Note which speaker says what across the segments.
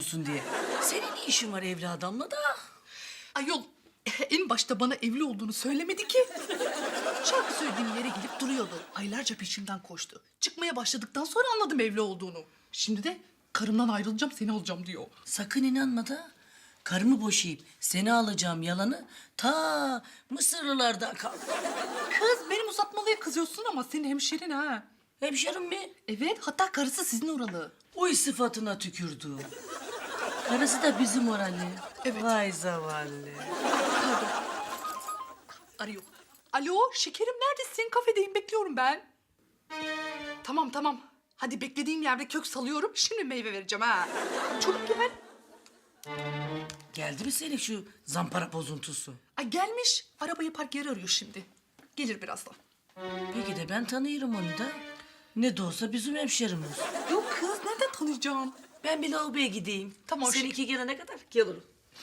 Speaker 1: olsun diye. Senin ne işin var evli adamla da?
Speaker 2: Ayol en başta bana evli olduğunu söylemedi ki. Şarkı söylediğim yere gidip duruyordu. Aylarca peşimden koştu. Çıkmaya başladıktan sonra anladım evli olduğunu. Şimdi de karımdan ayrılacağım seni alacağım diyor.
Speaker 1: Sakın inanma da. Karımı boşayıp seni alacağım yalanı ta Mısırlılardan kaldı.
Speaker 2: Kız benim uzatmalıya kızıyorsun ama senin hemşerin ha.
Speaker 1: Hemşerim mi?
Speaker 2: Evet hatta karısı sizin oralı.
Speaker 1: Uy sıfatına tükürdü. Karısı da bizim oralı.
Speaker 2: Evet.
Speaker 1: Vay zavallı.
Speaker 2: Arıyor. Alo şekerim neredesin? Kafedeyim bekliyorum ben. Tamam tamam. Hadi beklediğim yerde kök salıyorum. Şimdi meyve vereceğim ha. Çabuk gel.
Speaker 1: Geldi mi senin şu zampara bozuntusu?
Speaker 2: Ay gelmiş. Arabayı park yeri arıyor şimdi. Gelir birazdan.
Speaker 1: Peki de ben tanıyorum onu da. Ne de olsa bizim hemşerimiz.
Speaker 2: Yok kız nereden tanıyacağım?
Speaker 1: Ben bir lavaboya gideyim.
Speaker 2: Tamam,
Speaker 1: Seninki gelene kadar gelirim.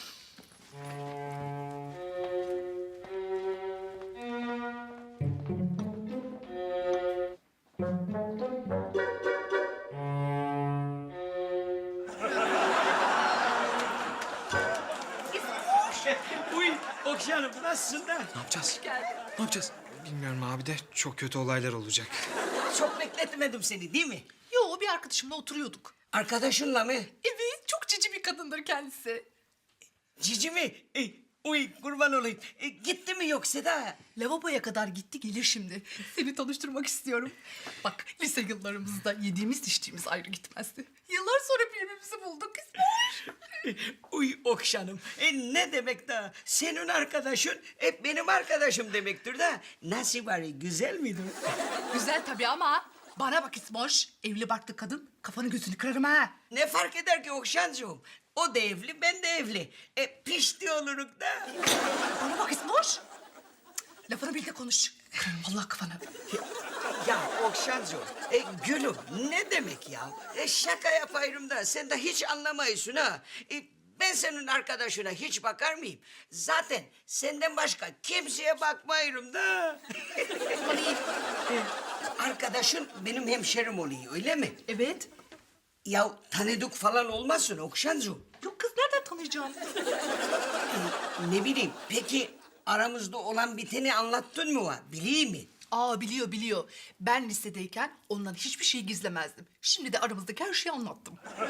Speaker 3: Uy Okşanım nasılsın da?
Speaker 4: Ne yapacağız? Ne yapacağız? Bilmiyorum abi de çok kötü olaylar olacak.
Speaker 3: Çok bekletmedim seni değil mi?
Speaker 2: Yo bir arkadaşımla oturuyorduk.
Speaker 3: Arkadaşınla mı?
Speaker 2: Evet çok cici bir kadındır kendisi.
Speaker 3: Cici mi? Uy kurban olayım. Gitti mi yoksa da?
Speaker 2: Lavaboya kadar gitti gelir şimdi. Seni tanıştırmak istiyorum. Bak lise yıllarımızda yediğimiz içtiğimiz ayrı gitmezdi. Yıllar sonra birbirimizi bulduk İsmail.
Speaker 3: Uy Okşanım. Ne demek da? Senin arkadaşın hep benim arkadaşım demektir da. Nasıl bari güzel miydi?
Speaker 2: Güzel tabii ama bana bak İsmoş. Evli barklı kadın kafanı gözünü kırarım ha.
Speaker 3: Ne fark eder ki Okşancığım? O da evli, ben de evli. Pişti oluruk da.
Speaker 2: Bana bak İsmoş. Cık, lafını bil de konuş. Kırarım vallahi kafanı.
Speaker 3: Ya Okşancığım, gülüm ne demek ya? Şaka yapayım da sen de hiç anlamayısın ha. Ben senin arkadaşına hiç bakar mıyım? Zaten senden başka kimseye bakmayırım da. Arkadaşın benim hemşerim oluyor öyle mi?
Speaker 2: Evet.
Speaker 3: Ya tanıdık falan olmasın Okşancığım.
Speaker 2: Yok kız nereden tanıyacağım?
Speaker 3: Ne bileyim peki aramızda olan biteni anlattın mı var? Bileyim mi?
Speaker 2: Aa biliyor biliyor. Ben lisedeyken ondan hiçbir şey gizlemezdim. Şimdi de aramızdaki her şeyi anlattım.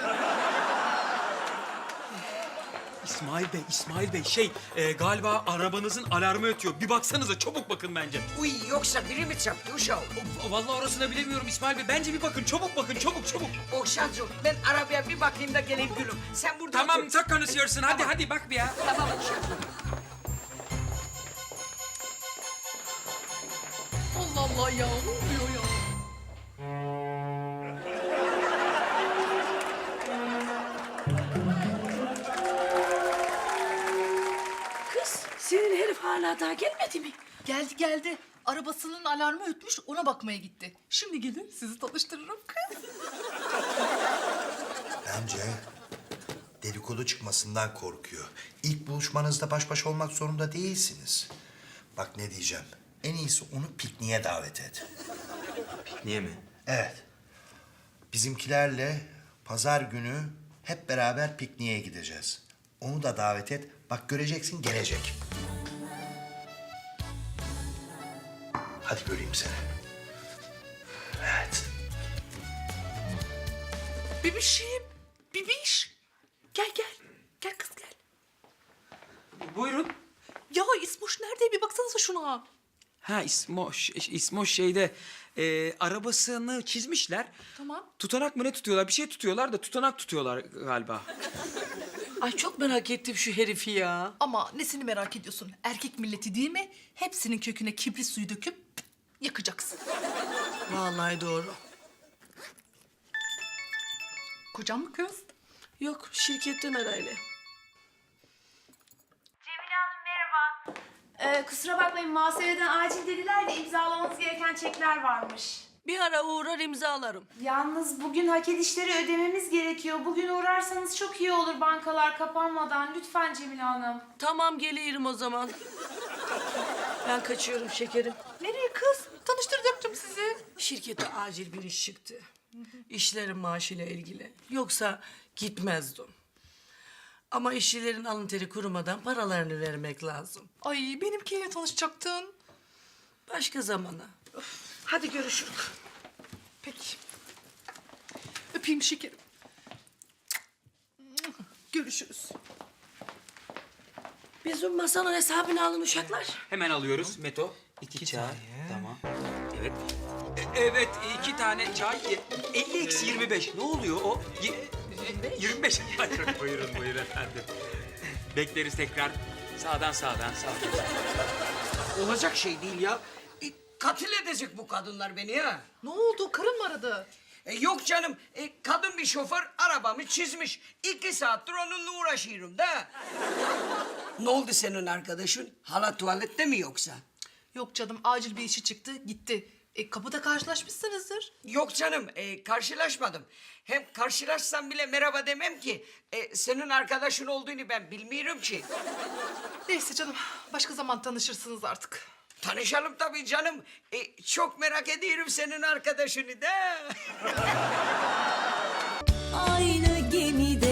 Speaker 4: İsmail Bey galiba arabanızın alarmı ötüyor. Bir baksanıza çabuk bakın bence.
Speaker 3: Uy yoksa biri mi çarptı uşağım?
Speaker 4: Vallahi orasını bilemiyorum İsmail Bey. Bence bir bakın çabuk bakın çabuk.
Speaker 3: Okşancığım ben arabaya bir bakayım da geleyim gülüm. Sen burada
Speaker 4: Tamam
Speaker 3: otur.
Speaker 4: çok konuşuyorsun. Hadi bak bir ya.
Speaker 3: Tamam Okşancığım.
Speaker 2: Allah Allah ya ne oluyor ya?
Speaker 1: Kız senin herif hala daha gelmedi mi?
Speaker 2: Geldi geldi. Arabasının alarmı ötmüş ona bakmaya gitti. Şimdi gelin sizi tanıştırırım kız.
Speaker 5: Bence dedikodu çıkmasından korkuyor. İlk buluşmanızda baş başa olmak zorunda değilsiniz. Bak ne diyeceğim. En iyisi onu pikniğe davet et.
Speaker 4: Niye mi?
Speaker 5: Evet. Bizimkilerle pazar günü hep beraber pikniğe gideceğiz. Onu da davet et. Bak göreceksin gelecek. Hadi göreyim seni. Evet.
Speaker 2: Bebişim. Bebiş. Gel gel. Gel kız gel.
Speaker 4: Buyurun.
Speaker 2: Ya İsmoş nerede? Bir baksanıza şuna.
Speaker 4: Ha İsmoş şeyde arabasını çizmişler.
Speaker 2: Tamam.
Speaker 4: Tutanak mı ne tutuyorlar? Bir şey tutuyorlar da tutanak tutuyorlar galiba.
Speaker 1: Ay çok merak ettim şu herifi ya.
Speaker 2: Ama nesini merak ediyorsun? Erkek milleti değil mi? Hepsinin köküne kibrit suyu döküp yakacaksın.
Speaker 1: Vallahi doğru.
Speaker 2: Kocan mı kız?
Speaker 1: Yok şirketten arayla.
Speaker 6: Cemile Hanım merhaba. Kusura bakmayın muhasebeden acil dediler de imzalamanız gereken çekler varmış.
Speaker 1: Bir ara uğrar imzalarım.
Speaker 6: Yalnız bugün hak edişleri ödememiz gerekiyor. Bugün uğrarsanız çok iyi olur bankalar kapanmadan. Lütfen Cemile Hanım.
Speaker 1: Tamam gelirim o zaman. Ben kaçıyorum şekerim.
Speaker 2: Nereye kız? Tanıştıracaktım sizi.
Speaker 1: Şirkete acil bir iş çıktı. İşlerin maaşıyla ilgili. Yoksa gitmezdim. Ama işçilerin alın teri kurumadan paralarını vermek lazım.
Speaker 2: Ay benimkiyle tanışacaktın.
Speaker 1: Başka zamana.
Speaker 2: Hadi görüşürüz. Peki. Öpeyim şekerim. Görüşürüz.
Speaker 1: Bizim masanın hesabını alın uşaklar.
Speaker 4: Hemen alıyoruz Meto. 2 çay. Tamam. Evet. Evet 2 tane çay. 50 eksi 25. Ne oluyor o? 25. Buyurun buyurun efendim. Bekleriz tekrar. Sağdan.
Speaker 3: Olacak şey değil ya. Katil edecek bu kadınlar beni ha.
Speaker 2: Ne oldu? Karın mı aradı?
Speaker 3: Yok canım, kadın bir şoför arabamı çizmiş. 2 saattir onunla uğraşıyorum da. Ne oldu senin arkadaşın? Hala tuvalette mi yoksa?
Speaker 2: Yok canım acil bir işi çıktı gitti. Kapıda karşılaşmışsınızdır.
Speaker 3: Yok canım, karşılaşmadım. Hem karşılaşsam bile merhaba demem ki. Senin arkadaşın olduğunu ben bilmiyorum ki.
Speaker 2: Neyse canım başka zaman tanışırsınız artık.
Speaker 3: Tanışalım tabii canım. Çok merak ediyorum senin arkadaşını da.
Speaker 7: Aynı gemide